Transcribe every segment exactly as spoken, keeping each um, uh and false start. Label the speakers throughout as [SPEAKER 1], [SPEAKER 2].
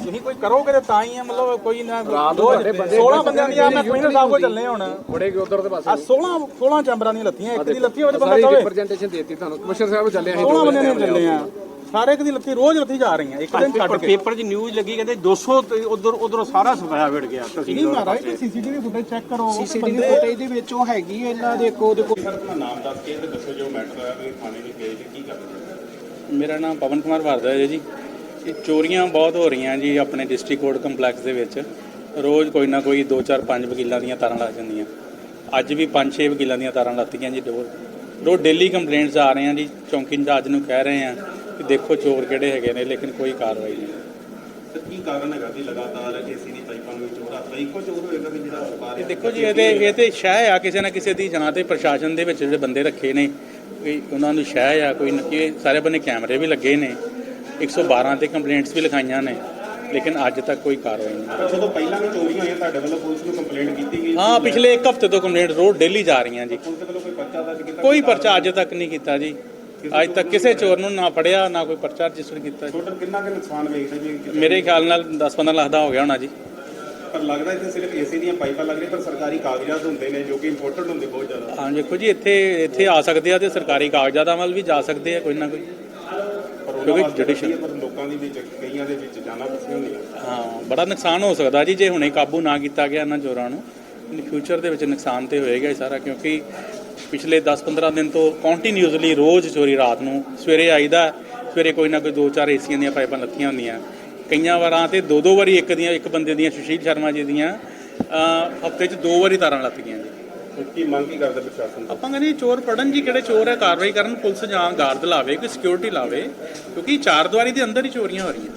[SPEAKER 1] ਤੁਸੀਂ ਕੋਈ ਕਰੋਗੇ ਤਾਂ ਤਾਂ ਹੀ ਆ, ਮਤਲਬ ਕੋਈ ਨਾ सोलह ਬੰਦਿਆਂ ਦੀਆਂ ਮੈਂ ਕਮਿਸ਼ਨਰ ਸਾਹਿਬ ਕੋਲ ਚੱਲੇ ਹੁਣ
[SPEAKER 2] ਬੜੇ ਉਧਰ ਦੇ ਪਾਸੇ
[SPEAKER 1] सोलह सोलह ਚੈਂਬਰਾਂ ਦੀਆਂ ਲੱਤੀਆਂ, ਇੱਕ ਦੀ ਲੱਤੀ ਹੋਵੇ ਬੰਦਾ ਕਵੇ
[SPEAKER 2] ਰਿਪਰੈਜ਼ੈਂਟੇਸ਼ਨ ਦੇਤੀ ਤੁਹਾਨੂੰ ਕਮਿਸ਼ਨਰ ਸਾਹਿਬ ਚੱਲੇ ਅਸੀਂ
[SPEAKER 1] सोलह ਬੰਦਿਆਂ ਦੀਆਂ ਚੱਲੇ ਆ, ਸਾਰੇ ਇੱਕ ਦੀ ਲੱਤੀ ਰੋਜ਼ ਲੱਤੀ ਜਾ ਰਹੀਆਂ, ਇੱਕ ਦਿਨ ਛੱਡ ਕੇ।
[SPEAKER 3] ਪੇਪਰ 'ਚ ਨਿਊਜ਼ ਲੱਗੀ ਕਹਿੰਦੇ ਦੋ ਸੌ ਉਧਰ ਉਧਰੋਂ ਸਾਰਾ ਸਫਾਇਆ ਵਿੜ ਗਿਆ।
[SPEAKER 1] ਨਹੀਂ ਮਹਾਰਾਜ ਕੋਈ ਸੀਸੀਟੀਵੀ ਫੁਟੇਜ ਚੈੱਕ ਕਰੋ,
[SPEAKER 4] ਸੀਸੀਟੀਵੀ ਫੁਟੇਜ ਦੇ ਵਿੱਚ ਉਹ ਹੈਗੀ ਇਹਨਾਂ ਦੇ ਕੋਲ ਦੇ ਕੋਲ।
[SPEAKER 5] ਸਰ ਆਪਣਾ ਨਾਮ ਦੱਸ ਕੇ ਤੇ ਦੱਸੋ ਜੋ ਮੈਟਰ ਹੋਇਆ ਵੀ ਥਾਣੇ ਵਿੱਚ ਗਏ ਤੇ ਕੀ ਕਰਦੇ।
[SPEAKER 6] ਮੇਰਾ ਨਾਮ ਪਵਨ ਕੁਮਾਰ ਭਾਰਦਵਾਜ ਹੈ ਜੀ। ਇਹ ਚੋਰੀਆਂ ਬਹੁਤ ਹੋ ਰਹੀਆਂ ਜੀ ਆਪਣੇ ਡਿਸਟ੍ਰਿਕਟ ਕੋਰਟ ਕੰਪਲੈਕਸ ਦੇ ਵਿੱਚ। ਰੋਜ਼ ਕੋਈ ਨਾ ਕੋਈ ਦੋ ਚਾਰ ਪੰਜ ਵਕੀਲਾਂ ਦੀਆਂ ਤਾਰਾਂ ਲੱਗ ਜਾਂਦੀਆਂ। ਅੱਜ ਵੀ ਪੰਜ ਛੇ ਵਕੀਲਾਂ ਦੀਆਂ ਤਾਰਾਂ ਲੱਤੀਆਂ ਜੀ। ਰੋਜ਼ ਰੋਜ਼ ਡੇਲੀ ਕੰਪਲੇਂਟਸ ਆ ਰਹੀਆਂ ਜੀ। ਚੌਂਕੀ ਇੰਚਾਰਜ ਨੂੰ ਕਹਿ ਰਹੇ ਆ ਕਿ ਦੇਖੋ ਚੋਰ ਕਿਹੜੇ ਹੈਗੇ ਨੇ, ਲੇਕਿਨ ਕੋਈ ਕਾਰਵਾਈ ਨਹੀਂ।
[SPEAKER 5] ਸਰ ਕੀ ਕਾਰਨ ਹੈਗਾ ਵੀ ਲਗਾਤਾਰ ਏਸੀ ਦੀ ਪਾਈਪਾਂ ਨੂੰ ਚੋਰ ਹੱਥ ਇੱਕੋ ਚੋਰ ਹੋਏਗਾ ਵੀ ਜਿਹੜਾ ਵਪਾਰ
[SPEAKER 6] ਇਹ ਦੇਖੋ ਜੀ, ਇਹਦੇ ਇਹ ਤੇ ਸ਼ਹਿ ਆ ਕਿਸੇ ਨਾ ਕਿਸੇ ਦੀ ਜਨਾਂ ਤੇ ਪ੍ਰਸ਼ਾਸਨ ਦੇ ਵਿੱਚ ਜਿਹੜੇ ਬੰਦੇ ਰੱਖੇ ਨੇ ਕੋਈ ਉਹਨਾਂ ਨੂੰ ਸ਼ਹਿ ਆ ਕੋਈ ਨਾ ਕਿ ਸਾਰੇ ਬੰਨੇ ਕੈਮਰੇ ਵੀ ਲੱਗੇ ਨੇ, ਇੱਕ ਸੌ ਬਾਰਾਂ ਤੇ ਕੰਪਲੇਂਟਸ ਵੀ ਲਿਖਾਈਆਂ ਨੇ, ਲੇਕਿਨ ਅੱਜ ਤੱਕ ਕੋਈ ਕਾਰਵਾਈ ਨਹੀਂ।
[SPEAKER 5] ਜਦੋਂ ਪਹਿਲਾਂ ਵੀ ਚੋਰੀਆਂ ਹੋਈਆਂ ਤੁਹਾਡੇ ਵੱਲੋਂ ਪੁਲਿਸ ਨੂੰ ਕੰਪਲੇਂਟ ਕੀਤੀ ਗਈ?
[SPEAKER 6] ਹਾਂ, ਪਿਛਲੇ ਇੱਕ ਹਫ਼ਤੇ ਤੋਂ ਕੰਪਲੇਂਟ ਰੋਜ਼ ਡੇਲੀ ਜਾ ਰਹੀਆਂ ਜੀ।
[SPEAKER 5] ਪੁਲਿਸ ਵੱਲੋਂ ਕੋਈ ਪਰਚਾ ਦਰਜ ਕੀਤਾ?
[SPEAKER 6] ਕੋਈ ਪਰਚਾ ਅੱਜ ਤੱਕ ਨਹੀਂ ਕੀਤਾ ਜੀ। ਅੱਜ ਤੱਕ ਕਿਸੇ ਚੋਰ ਨੂੰ ਨਾ ਫੜਿਆ, ਨਾ ਕੋਈ ਪਰਚਾ ਰਜਿਸਟਰ ਕੀਤਾ ਜੀ।
[SPEAKER 5] ਟੋਟਲ ਕਿੰਨਾ ਕੁ ਨੁਕਸਾਨ ਵੇਖਦੇ ਜੀ?
[SPEAKER 6] ਮੇਰੇ ਖਿਆਲ ਨਾਲ ਦਸ ਪੰਦਰਾਂ ਲੱਖ ਦਾ ਹੋ ਗਿਆ ਹੋਣਾ ਜੀ।
[SPEAKER 5] ਪਰ ਲੱਗਦਾ ਇੱਥੇ ਸਿਰਫ ਏਸੀ ਦੀਆਂ ਪਾਈਪਾਂ ਲੱਗ ਰਹੀਆਂ, ਪਰ ਸਰਕਾਰੀ ਕਾਗਜ਼ਾਤ ਹੁੰਦੇ ਨੇ ਜੋ ਕਿ ਇੰਪੋਰਟਡ ਹੁੰਦੇ ਬਹੁਤ ਜ਼ਿਆਦਾ।
[SPEAKER 6] ਹਾਂ ਦੇਖੋ ਜੀ, ਇੱਥੇ ਇੱਥੇ ਆ ਸਕਦੇ ਆ ਤੇ ਸਰਕਾਰੀ ਕਾਗਜ਼ਾਤਾਂ ਵੱਲ ਵੀ ਜਾ ਸਕਦੇ ਆ ਕੋਈ ਨਾ ਕੋਈ, ਕਿਉਂਕਿ ਜੁਡੀਸ਼ੀਅਲ
[SPEAKER 5] ਪਰ ਲੋਕਾਂ ਦੇ ਵਿੱਚ ਕਈਆਂ ਦੇ ਵਿੱਚ ਜਾਨਾਂ ਫਸੀਆਂ ਹੁੰਦੀਆਂ।
[SPEAKER 6] ਹਾਂ ਬੜਾ ਨੁਕਸਾਨ ਹੋ ਸਕਦਾ ਜੀ ਜੇ ਹੁਣੇ ਕਾਬੂ ਨਾ ਕੀਤਾ ਗਿਆ ਇਹਨਾਂ ਚੋਰਾਂ ਨੂੰ। ਫਿਊਚਰ ਦੇ ਵਿੱਚ ਨੁਕਸਾਨ ਤੇ ਹੋਏਗਾ ਹੀ ਸਾਰਾ, ਕਿਉਂਕਿ ਪਿਛਲੇ ਦਸ ਪੰਦਰਾਂ ਦਿਨ ਤੋਂ ਕੰਟੀਨਿਊਸਲੀ ਰੋਜ਼ ਚੋਰੀ। ਰਾਤ ਨੂੰ ਸਵੇਰੇ ਆਈਦਾ, ਸਵੇਰੇ ਕੋਈ ਨਾ ਕੋਈ ਦੋ ਚਾਰ ਏਸੀਆਂ ਦੀਆਂ ਪਾਈਪਾਂ ਲੱਥੀਆਂ ਹੁੰਦੀਆਂ। ਕਈਆਂ ਵਾਰਾਂ ਤੇ ਦੋ ਦੋ ਵਾਰੀ ਇੱਕ ਦੀਆਂ ਇੱਕ ਬੰਦੇ ਦੀਆਂ ਸੁਸ਼ੀਲ ਸ਼ਰਮਾ ਜੀ ਦੀਆਂ ਹਫ਼ਤੇ 'ਚ ਦੋ ਵਾਰੀ ਤਾਰਾਂ ਲੱਥ ਗਈਆਂ ਜੀ।
[SPEAKER 5] ਕੀ ਮੰਗ ਕੀ ਕਰਦੇ ਪ੍ਰਸ਼ਾਸਨ ਤੋਂ?
[SPEAKER 6] ਆਪਾਂ ਕਹਿੰਦੇ ਚੋਰ ਫੜਨ ਜੀ, ਕਿਹੜੇ ਚੋਰ ਹੈ ਕਾਰਵਾਈ ਕਰਨ, ਪੁਲਿਸ ਜਾਂ ਗਾਰਡ ਲਾਵੇ, ਕੋਈ ਸਿਕਿਉਰਿਟੀ ਲਾਵੇ, ਕਿਉਂਕਿ ਚਾਰ ਦੀਵਾਰੀ ਦੇ ਅੰਦਰ ਹੀ ਚੋਰੀਆਂ ਹੋ ਰਹੀਆਂ।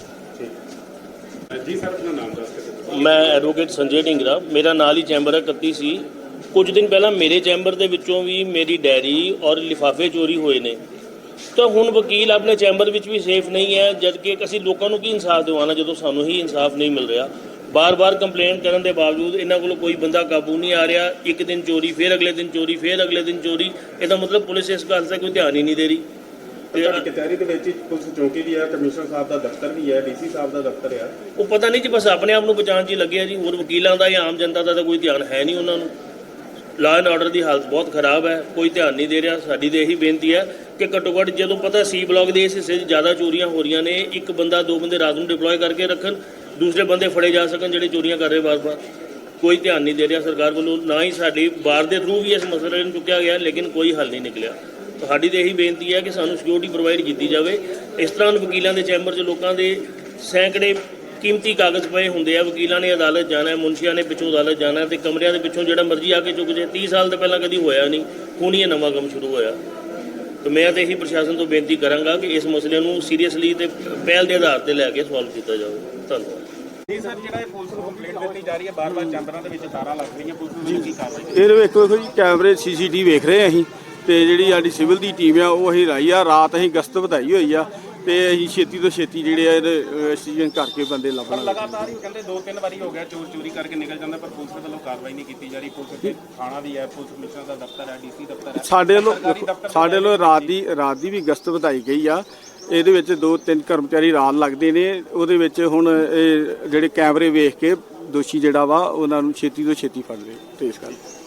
[SPEAKER 5] ਜੀ ਸਰ ਆਪਣਾ ਨਾਮ ਦੱਸ ਕੇ।
[SPEAKER 7] ਮੈਂ ਐਡਵੋਕੇਟ ਸੰਜੇ ਢਿੰਗਰਾ, ਮੇਰਾ ਨਾਲ ਹੀ ਚੈਂਬਰ ਹੈ ਇਕੱਤੀ ਸੀ। ਕੁਝ ਦਿਨ ਪਹਿਲਾਂ ਮੇਰੇ ਚੈਂਬਰ ਦੇ ਵਿੱਚੋਂ ਵੀ ਮੇਰੀ ਡਾਇਰੀ ਔਰ ਲਿਫਾਫੇ ਚੋਰੀ ਹੋਏ ਨੇ। ਤਾਂ ਹੁਣ ਵਕੀਲ ਆਪਣੇ ਚੈਂਬਰ ਵਿੱਚ ਵੀ ਸੇਫ ਨਹੀਂ ਹੈ, ਜਦ ਕਿ ਅਸੀਂ ਲੋਕਾਂ ਨੂੰ ਕੀ ਇਨਸਾਫ ਦਿਵਾਉਣਾ ਜਦੋਂ ਸਾਨੂੰ ਹੀ ਇਨਸਾਫ ਨਹੀਂ ਮਿਲ ਰਿਹਾ। ਬਾਰ-ਬਾਰ ਕੰਪਲੇਂਟ ਕਰਨ ਦੇ ਬਾਵਜੂਦ ਇਹਨਾਂ ਕੋਲੋਂ ਕੋਈ ਬੰਦਾ ਕਾਬੂ ਨਹੀਂ ਆ ਰਿਹਾ। ਇੱਕ ਦਿਨ ਚੋਰੀ, ਫਿਰ ਅਗਲੇ ਦਿਨ ਚੋਰੀ, ਫਿਰ ਅਗਲੇ ਦਿਨ ਚੋਰੀ। ਇਹਦਾ ਮਤਲਬ ਪੁਲਿਸ ਇਸ ਗੱਲ 'ਤੇ ਕੋਈ ਧਿਆਨ ਹੀ ਨਹੀਂ ਦੇ ਰਹੀ।
[SPEAKER 5] ਤੁਹਾਡੀ ਕਚਹਿਰੀ ਦੇ ਵਿੱਚ ਪੁਲਿਸ ਚੌਕੀ ਵੀ ਹੈ, ਕਮਿਸ਼ਨਰ ਸਾਹਿਬ ਦਾ ਦਫ਼ਤਰ ਵੀ ਹੈ, ਡੀਸੀ ਸਾਹਿਬ ਦਾ ਦਫ਼ਤਰ ਹੈ।
[SPEAKER 7] ਉਹ ਪਤਾ ਨਹੀਂ ਜੀ, ਬਸ ਆਪਣੇ ਆਪ ਨੂੰ ਬਚਾਉਣ 'ਚ ਹੀ ਲੱਗੇ ਆ ਜੀ। ਹੋਰ ਵਕੀਲਾਂ ਦਾ ਜਾਂ ਆਮ ਜਨਤਾ ਦਾ ਤਾਂ ਕੋਈ ਧਿਆਨ ਹੈ ਨਹੀਂ ਉਹਨਾਂ ਨੂੰ। ਲਾਅ ਐਂਡ ਆਰਡਰ ਦੀ ਹਾਲਤ ਬਹੁਤ ਖਰਾਬ ਹੈ, ਕੋਈ ਧਿਆਨ ਨਹੀਂ ਦੇ ਰਿਹਾ। ਸਾਡੀ ਤਾਂ ਇਹੀ ਬੇਨਤੀ ਹੈ ਕਿ ਘੱਟੋ ਘੱਟ ਜਦੋਂ ਪਤਾ ਸੀ ਬਲਾਕ ਦੇ ਇਸ ਹਿੱਸੇ 'ਚ ਜ਼ਿਆਦਾ ਚੋਰੀਆਂ ਹੋ ਰਹੀਆਂ ਨੇ, ਇੱਕ ਬੰਦਾ ਦੋ ਬੰਦੇ ਰਾਤ ਨੂੰ ਡਿਪਲੋਏ ਕਰਕੇ ਰੱਖਣ, ਦੂਸਰੇ ਬੰਦੇ ਫੜੇ ਜਾ ਸਕਣ ਜਿਹੜੇ ਚੋਰੀਆਂ ਕਰ ਰਹੇ ਵਾਰ-ਵਾਰ। ਕੋਈ ਧਿਆਨ ਨਹੀਂ ਦੇ ਰਿਹਾ ਸਰਕਾਰ ਵੱਲੋਂ, ਨਾ ਹੀ ਸਾਡੀ ਬਾਰ ਦੇ ਥਰੂ ਵੀ ਇਸ ਮਸਲੇ ਨੂੰ ਚੁੱਕਿਆ ਗਿਆ, ਲੇਕਿਨ ਕੋਈ ਹੱਲ ਨਹੀਂ ਨਿਕਲਿਆ। ਸਾਡੀ ਤਾਂ ਇਹੀ ਬੇਨਤੀ ਹੈ ਕਿ ਸਾਨੂੰ ਸਿਕਿਉਰਿਟੀ ਪ੍ਰੋਵਾਈਡ ਕੀਤੀ ਜਾਵੇ। ਇਸ ਤਰ੍ਹਾਂ ਵਕੀਲਾਂ ਦੇ ਚੈਂਬਰ 'ਚ ਲੋਕਾਂ ਦੇ ਸੈਂਕੜੇ ਕੀਮਤੀ ਕਾਗਜ਼ ਪਏ ਹੁੰਦੇ ਆ। ਵਕੀਲਾਂ ਨੇ ਅਦਾਲਤ ਜਾਣਾ, ਮੁਨਸ਼ੀਆਂ ਨੇ ਪਿੱਛੋਂ ਅਦਾਲਤ ਜਾਣਾ, ਤੇ ਕਮਰਿਆਂ ਦੇ ਪਿੱਛੋਂ ਜਿਹੜਾ ਮਰਜ਼ੀ ਆ ਕੇ ਚੁੱਕ ਜੇ। ਤੀਹ ਸਾਲ ਤੋਂ ਪਹਿਲਾਂ ਕਦੀ ਹੋਇਆ ਨਹੀਂ, ਹੁਣ ਇਹ ਨਵਾਂ ਕੰਮ ਸ਼ੁਰੂ ਹੋਇਆ। ਤਾਂ ਮੈਂ ਤਾਂ ਇਹੀ ਪ੍ਰਸ਼ਾਸਨ ਤੋਂ ਬੇਨਤੀ ਕਰਾਂਗਾ ਕਿ ਇਸ ਮਸਲੇ ਨੂੰ ਸੀਰੀਅਸਲੀ ਤੇ ਪਹਿਲ ਦੇ ਆਧਾਰ ਤੇ ਲੈ ਕੇ ਸੋਲਵ ਕੀਤਾ ਜਾਵੇ। ਧੰਨਵਾਦ
[SPEAKER 5] ਜੀ ਸਰ, ਜਿਹੜਾ ਇਹ ਪੁਲਿਸ ਨੂੰ ਕੰਪਲੇਂਟ ਦਿੱਤੀ ਜਾ ਰਹੀ ਹੈ ਬਾਰ-ਬਾਰ ਚੈਂਬਰਾਂ ਦੇ ਵਿੱਚ ਤਾਰਾਂ ਲੱਗ ਰਹੀਆਂ, ਪੁਲਿਸ ਨੂੰ ਕੀ ਕਾਰਵਾਈ?
[SPEAKER 8] ਇਹ ਵੇਖੋ ਵੇਖੋ ਜੀ, ਕੈਮਰੇ ਸੀਸੀਟੀਵੀ ਵੇਖ ਰਹੇ ਅਸੀਂ, ਤੇ ਜਿਹੜੀ ਸਾਡੀ ਸਿਵਲ ਦੀ ਟੀਮ ਆ ਉਹ ਅਸੀਂ ਲਾਈ ਆ। ਰਾਤ ਅਸੀਂ ਗਸ਼ਤ ਵਧਾਈ ਹੋਈ ਆ, ਤੇ ਅਸੀਂ ਛੇਤੀ ਤੋਂ ਛੇਤੀ ਜਿਹੜੇ ਆ ਐਕਸੀਡੈਂਟ ਕਰਕੇ ਬੰਦੇ ਲੱਭਣ।
[SPEAKER 5] ਲਗਾਤਾਰ ਹੀ ਕਹਿੰਦੇ ਦੋ ਤਿੰਨ ਵਾਰੀ ਹੋ ਗਿਆ ਚੋਰ ਚੋਰੀ ਕਰਕੇ ਨਿਕਲ ਜਾਂਦਾ, ਪਰ ਪੁਲਿਸ ਵੱਲੋਂ ਕਾਰਵਾਈ ਨਹੀਂ ਕੀਤੀ ਜਾ ਰਹੀ। ਪੁਲਿਸ ਦੇ ਥਾਣਾ ਵੀ ਹੈ, ਪੁਲਿਸ ਕਮਿਸ਼ਨਰ ਦਾ ਦਫ਼ਤਰ ਹੈ, ਡੀਸੀ ਦਫ਼ਤਰ ਹੈ।
[SPEAKER 8] ਸਾਡੇ ਵੱਲੋਂ ਸਾਡੇ ਵੱਲੋਂ ਰਾਤ ਦੀ ਰਾਤ ਦੀ ਵੀ ਗਸ਼ਤ ਵਧਾਈ ਗਈ ਆ। ਇਹਦੇ ਵਿੱਚ ਦੋ ਤਿੰਨ ਕਰਮਚਾਰੀ ਰਾਤ ਲੱਗਦੇ ਨੇ। ਉਹਦੇ ਵਿੱਚ ਹੁਣ ਇਹ ਜਿਹੜੇ ਕੈਮਰੇ ਵੇਖ ਕੇ ਦੋਸ਼ੀ ਜਿਹੜਾ ਵਾ ਉਹਨਾਂ ਨੂੰ ਛੇਤੀ ਤੋਂ ਛੇਤੀ ਫੜ ਲਏ ਤੇ ਇਸ ਗੱਲ